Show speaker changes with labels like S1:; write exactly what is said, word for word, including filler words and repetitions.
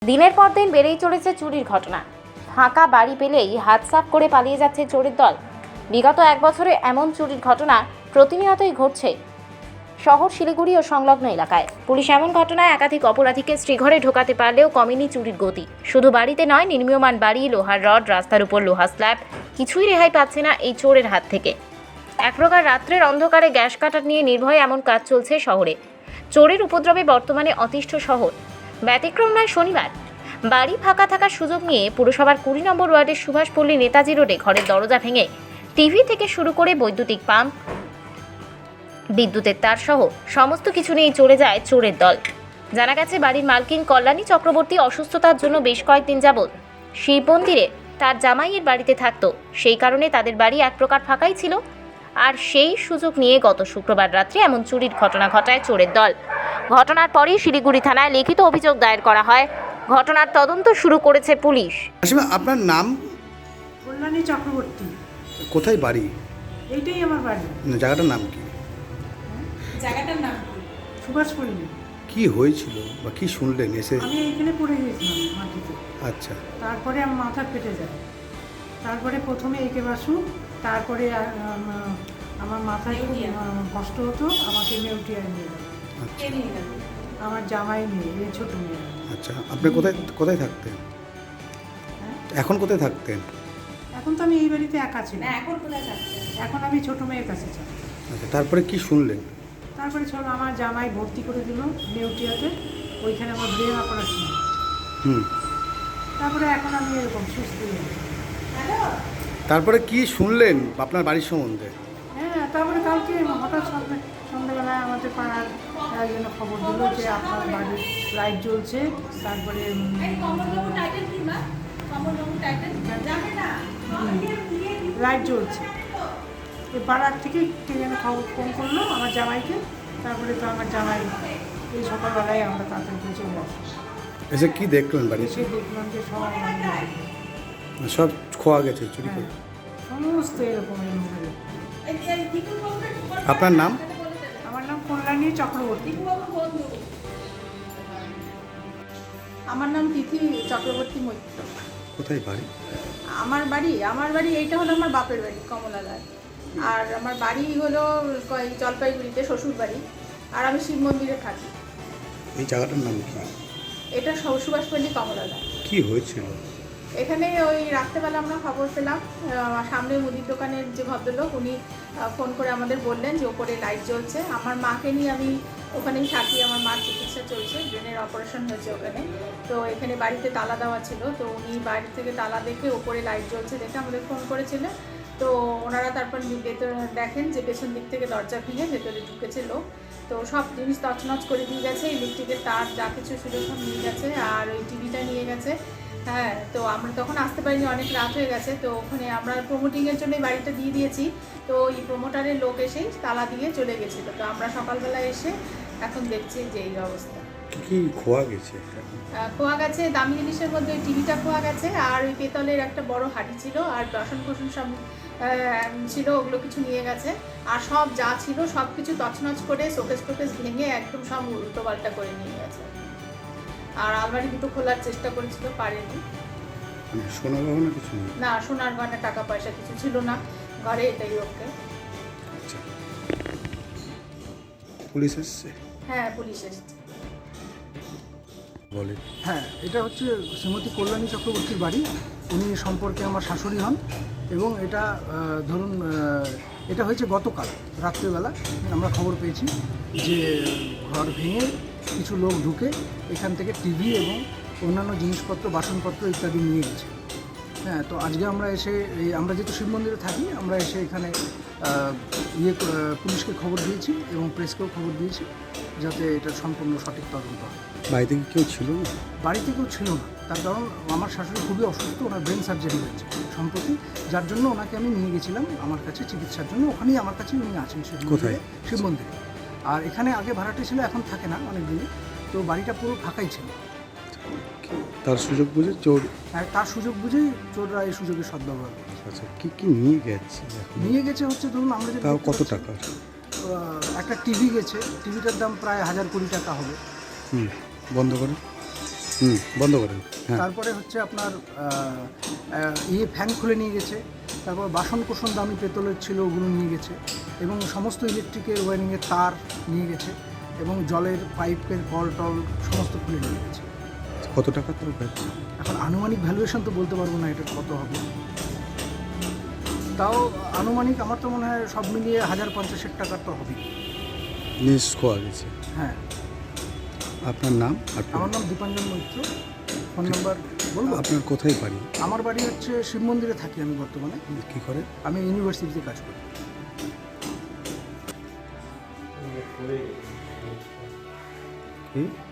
S1: দিনের পর দিন বেড়েই চলেছে চুরির ঘটনা। ফাঁকা বাড়ি পেলেই হাত সাফ করে পালিয়ে যাচ্ছে চোরের দল। বিগত এক বছরে এমন চুরির ঘটনা প্রতিনিয়তই ঘটছে শহর শিলিগুড়ি ও সংলগ্ন এলাকায়। পুলিশ এমন ঘটনায় একাধিক অপরাধীকে শ্রীঘরে ঢোকাতে পারলেও কমেনি চুরির গতি। শুধু বাড়িতে নয়, নির্মীয়মান বাড়ি, লোহার রড, রাস্তার উপর লোহা স্ল্যাব, কিছুই রেহাই পাচ্ছে না এই চোরের হাত থেকে। এক প্রকার রাত্রের অন্ধকারে গ্যাস কাটার নিয়ে নির্ভয়ে এমন কাজ চলছে শহরে। চোরের উপদ্রবে বর্তমানে অতিষ্ঠ শহর। ব্যতিক্রম নয় শনিবার। বাড়ি ফাঁকা থাকার সুযোগ নিয়ে পুরসভার কুড়ি নম্বর ওয়ার্ডের সুভাষপল্লী নেতাজি রোডে ঘরের দরজা ভেঙে টিভি থেকে শুরু করে বৈদ্যুতিক পাম্প, বিদ্যুতের তার সহ সমস্ত কিছু নিয়ে চলে যায় চোরের দল। জানা গেছে, বাড়ির মালকিন কল্যাণী চক্রবর্তী অসুস্থতার জন্য বেশ কয়েকদিন যাবৎ শিব মন্দিরে তার জামাইয়ের বাড়িতে থাকতো। সেই কারণে তাদের বাড়ি এক প্রকার ফাঁকাই ছিল। আর সেই সুযোগ নিয়ে গত শুক্রবার রাত্রে এমন চুরির ঘটনা ঘটায় চোরের দল। ঘটনার পরই শিলিগুড়ি থানায় লিখিত অভিযোগ দায়ের করা হয়। ঘটনার তদন্ত শুরু করেছে পুলিশ।
S2: আসলে আপনার নাম?
S3: কল্যাণী চক্রবর্তী।
S2: কোথায় বাড়ি?
S3: এইটাই আমার বাড়ি।
S2: না, জায়গাটার নাম কি?
S3: জায়গাটার নাম সুভাষপল্লী।
S2: কি হয়েছিল বা কি শুনলেন এসে?
S3: আমি এইখানে পড়ে গিয়েছিলাম মাটিতে।
S2: আচ্ছা।
S3: তারপরে আমার মাথা ফেটে যায়। তারপরে প্রথমে একে বাসু, তারপরে আমার মাথায় খুব কষ্ট হতো, আমাকে নেউটিয়ায় নিয়ে গেল।
S2: আচ্ছা।
S3: আমার জামাই মেয়ে, এই ছোটো মেয়ে।
S2: আচ্ছা, আপনি কোথায় কোথায় থাকতেন?
S3: হ্যাঁ,
S2: এখন কোথায় থাকতেন?
S3: এখন তো আমি এই বাড়িতে একা ছিলাম।
S4: এখন কোথায় থাকতেন?
S3: এখন আমি ছোটো মেয়ের কাছে ছিলাম।
S2: আচ্ছা, তারপরে কি শুনলেন?
S3: তারপরে চলো আমার জামাই ভর্তি করে দিল নেউটিয়াতে, ওইখানে আমার ব্রেন অপারেশন।
S2: হুম।
S3: তারপরে এখন আমি এরকম সুস্থ হয়ে গেছি।
S2: তারপরে কি শুনলেন আপনার বাড়ির সম্বন্ধে?
S3: হ্যাঁ, তারপরে কালকে হঠাৎ সন্ধ্যে সন্ধ্যাবেলায় আমাদের পাড়ার একজন খবর দিল যে আপনার বাড়ির লাইট জ্বলছে। তারপরে লাইট জ্বলছে, এই পাড়ার থেকে কে যেন খবর ফোন করলো আমার জামাইকে। তারপরে তো আমার জামাই এই সকালবেলায় আমরা তাড়াতাড়ি করে চলে আসি।
S2: এসে কি দেখলেন বাড়ি?
S3: এসে দেখলাম যে সব
S2: সব খোয়া গেছে, চুরি করে।
S3: সমস্ত এরকম এরকম।
S2: আপনার নাম?
S3: আমার নাম কল্যাণী চক্রবর্তী।
S4: আমার নাম তিথি চক্রবর্তী মৈত্র।
S2: কোথায় বাড়ি?
S4: আমার বাড়ি আমার বাড়ি এইটা হলো আমার বাপের বাড়ি কমলালাল। আর আমার বাড়ি হলো ক- জলপাইগুড়িতে শ্বশুর বাড়ি। আর আমি শিব মন্দিরে থাকি।
S2: এই জায়গাটার নাম কি?
S4: এটা সু- সুভাষপল্লী কমলালাল।
S2: কি হয়েছিল?
S4: এখানে ওই রাত্রেবেলা আমরা খবর পেলাম, আহ, সামনে মুদির দোকানের যে ভদ্রলোক উনি আহ, ফোন করে আমাদের বললেন যে ওপরে লাইট জ্বলছে। আমার মাকে নিয়ে আমি ওখানেই থাকি, আমার মার চিকিৎসা চলছে, ব্রেনের অপারেশন হয়েছে ওখানে। তো এখানে বাড়িতে তালা দেওয়া ছিল, তো উনি বাড়ি থেকে তালা দেখে ওপরে লাইট জ্বলছে দেখে আমাদের ফোন করেছিলেন। তো ওনারা তারপর ভেতরে দেখেন যে পেছন দিক থেকে দরজা ভেঙে ভেতরে ঢুকেছে লোক। তো সব জিনিস তছনছ করে দিয়ে গেছে, ইলেকট্রিকের তার যা কিছু ছিল সব নিয়ে গেছে, আর ওই টিভিটা নিয়ে গেছে। হ্যাঁ, তো আমরা তখন আসতে পারিনি, অনেক রাত হয়ে গেছে। তো ওখানে আমরা প্রমোটিংয়ের জন্য বাড়িটা দিয়ে দিয়েছি। তো এই প্রমোটারের লোক এসেই তালা দিয়ে চলে গেছিলো। তো আমরা সকালবেলা এসে এখন দেখছি যে এই অবস্থা।
S2: কি খোয়া গেছে?
S4: আহ, খোয়া গেছে দামি জিনিসের মধ্যে ওই টিভিটা খোয়া গেছে, আর ওই পেতলের একটা বড় হাঁড়ি ছিল, আর বাসন কোসন সব আহ, ছিল, ওগুলো কিছু নিয়ে গেছে। আর সব যা ছিল সব কিছু তছনছ করে শোকেস টোকেস ভেঙে একদম সব উল্টো পাল্টা করে নিয়ে গেছে। আর আলমারি দুটো খোলার চেষ্টা করেছিল, পারেনি।
S2: মানে সোনা গহনা কিছু নেই?
S4: না, সোনার গয়না টাকা পয়সা কিছু ছিল না ঘরে, এটাই ওকে।
S2: আচ্ছা, পুলিশ এসছে?
S4: হ্যাঁ, পুলিশ এসেছে।
S2: বলে
S5: হ্যাঁ, এটা হচ্ছে শ্রীমতী কল্যাণী চক্রবর্তীর বাড়ি। উনি সম্পর্কে আমার শাশুড়ি হন। এবং এটা আহ, ধরুন আহ, এটা হয়েছে গতকাল রাত্রেবেলা। আমরা খবর পেয়েছি যে ঘর ভেঙে কিছু লোক ঢুকে এখান থেকে টিভি এবং অন্যান্য জিনিসপত্র, বাসনপত্র ইত্যাদি নিয়ে গেছে। হ্যাঁ, তো আজকে আমরা এসে এই আমরা যেহেতু শিব মন্দিরে থাকি, আমরা এসে এখানে আহ, ইয়ে আহ, পুলিশকে খবর দিয়েছি এবং প্রেসকেও খবর দিয়েছি যাতে এটা সম্পূর্ণ সঠিক তদন্ত হয়।
S2: বাড়িতে কি কেউ ছিল না?
S5: বাড়িতে কেউ ছিল না, তার কারণ আমার শাশুড়ি খুবই অসুস্থ, ওনার ব্রেন সার্জারি হয়েছে সম্প্রতি, যার জন্য ওনাকে আমি নিয়ে গেছিলাম আমার কাছে চিকিৎসার জন্য। ওখানেই আমার কাছে উনি আছেন শিব মন্দিরে।
S2: কোথায়?
S5: শিব মন্দিরে। আর এখানে আগে ভাড়াটে ছিল, এখন থাকে না অনেক দিনে। তো বাড়িটা পুরো ফাঁকাই ছিল।
S2: তার সুযোগ বুঝে চোর?
S5: আর তার সুযোগ বুঝেই চোররা এই সুযোগে সদ্ব্যবহার করে।
S2: আচ্ছা, কি কি নিয়ে গেছে?
S5: নিয়ে গেছে হচ্ছে ধরুন আমরা যে
S2: তাও কত টাকা?
S5: একটা টিভি গেছে, টিভিটার দাম প্রায় হাজার কোটি টাকা হবে।
S2: হুম, বন্ধ করে হুম বন্ধ করেন হ্যাঁ
S5: তারপরে হচ্ছে আপনার আহ, আহ, ইয়ে ফ্যান খুলে নিয়ে গেছে, তারপর বাসন কোসন দামি পেতলের ছিল ওগুলো নিয়ে গেছে, এবং সমস্ত ইলেকট্রিকের ওয়ারিংয়ের তার নিয়ে গেছে, এবং জলের পাইপের কল টল সমস্ত খুলে নিয়ে গেছে।
S2: কত টাকা তোর ব্যাপার?
S5: এখন আনুমানিক ভ্যালুয়েশন তো বলতে পারবো না এটার কত হবে, তাও আনুমানিক আমার তো মনে হয় সব মিলিয়ে হাজার পঞ্চাশের টাকার তো হবে।
S2: জিনিস খোয়া গেছে।
S5: হ্যাঁ,
S2: আপনার নাম আর
S5: আমার নাম দীপাঞ্জন মৈত্র। ফোন নাম্বার বলবো?
S2: আপনার কোথায় বাড়ি?
S5: আমার বাড়ি হচ্ছে শিব মন্দিরে থাকি আমি বর্তমানে,
S2: কি করে?
S5: আমি ইউনিভার্সিটিতে কাজ করি।
S2: কি